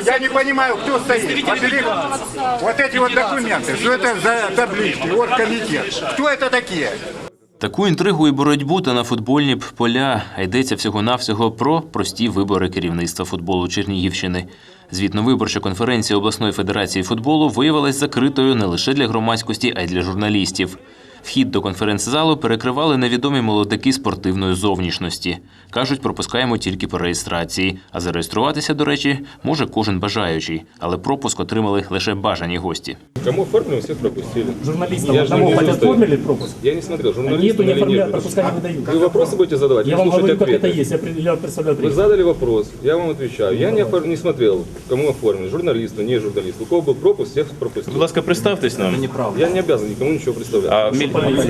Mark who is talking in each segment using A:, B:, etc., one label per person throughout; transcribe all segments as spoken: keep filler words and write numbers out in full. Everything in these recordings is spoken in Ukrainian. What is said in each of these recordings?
A: Я не понимаю, кто стоит. Вот эти вот документы, что это за таблички, оргкомитет. Кто это такие?
B: Таку інтригу і боротьбу та на футбольні б поля. А йдеться всього-навсього про прості вибори керівництва футболу Чернігівщини. Звітно-виборча конференція обласної федерації футболу виявилась закритою не лише для громадськості, а й для журналістів. Вхід до конференц-залу перекривали невідомі молодики спортивної зовнішності. Кажуть, пропускаємо тільки по реєстрації. А зареєструватися, до речі, може кожен бажаючий. Але пропуск отримали лише бажані гості.
C: Кому оформили, всех пропустили.
D: Журналистам одному хоть оформили пропуск?
C: Я не смотрел,
D: Нету,
C: журналистам
D: не
C: или
D: оформляют,
C: нет.
D: пропуска не выдают.
C: Вы вопросы будете задавать?
D: Я
C: или
D: вам
C: слушать
D: говорю, как
C: ответы?
D: это есть. Я, при- я представляю
C: Вы
D: принцип.
C: задали вопрос, я вам отвечаю. Я не, офор- не смотрел, кому оформили, журналисту, не журналисту. У кого был пропуск, всех пропустил.
E: Будь ласка, представтесь нам.
C: Я не обязан никому ничего представлять.
E: А, міль...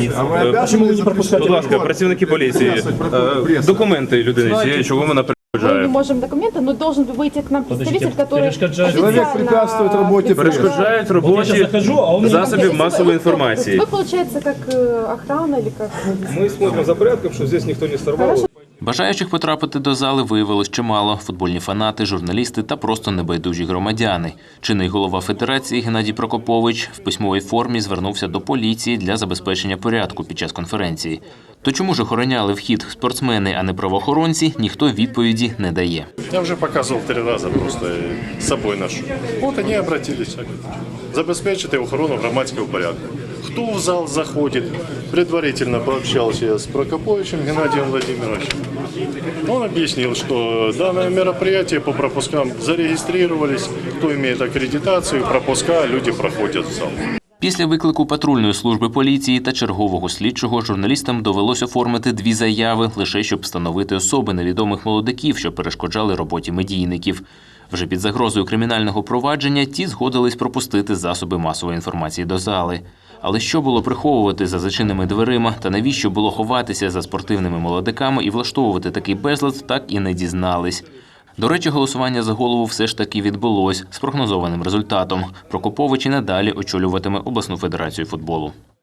D: Почему вы не пропускаете?
E: Будь ласка, працівники поліції, е, документи людини цієї, чого вона
F: Мы не
E: перешкоджає.
F: можем документы, но должен выйти к нам представитель, который
D: перешкоджает.
F: Человек
G: препятствует работе
E: Перешкоджають
D: Вот я
E: роботі
D: сейчас захожу, а он мне
E: засобів масової інформації.
F: Вы, получается, как э, охрана или как?
C: Мы смотрим за порядком, чтобы здесь никто не сорвал.
B: Бажаючих потрапити до зали виявилось чимало – футбольні фанати, журналісти та просто небайдужі громадяни. Чинний голова федерації Геннадій Прокопович в письмовій формі звернувся до поліції для забезпечення порядку під час конференції. То чому ж охороняли вхід спортсмени, а не правоохоронці, ніхто відповіді не дає.
H: Я уже показывал три раза, просто с собой ношу. Вот они обратились. Забезпечити охорону громадського порядку. Кто в зал заходит? Предварительно пообщался я с Прокоповичем Геннадием Владимировичем. Он объяснил, что данное мероприятие по пропускам зарегистрировались. Кто имеет аккредитацию, пропуска, люди проходят в зал.
B: Після виклику патрульної служби поліції та чергового слідчого журналістам довелось оформити дві заяви, лише щоб встановити особи невідомих молодиків, що перешкоджали роботі медійників. Вже під загрозою кримінального провадження ті згодились пропустити засоби масової інформації до зали. Але що було приховувати за зачиненими дверима та навіщо було ховатися за спортивними молодиками і влаштовувати такий безлад, так і не дізнались. До речі, голосування за голову все ж таки відбулось з прогнозованим результатом. Прокопович і надалі очолюватиме обласну федерацію футболу.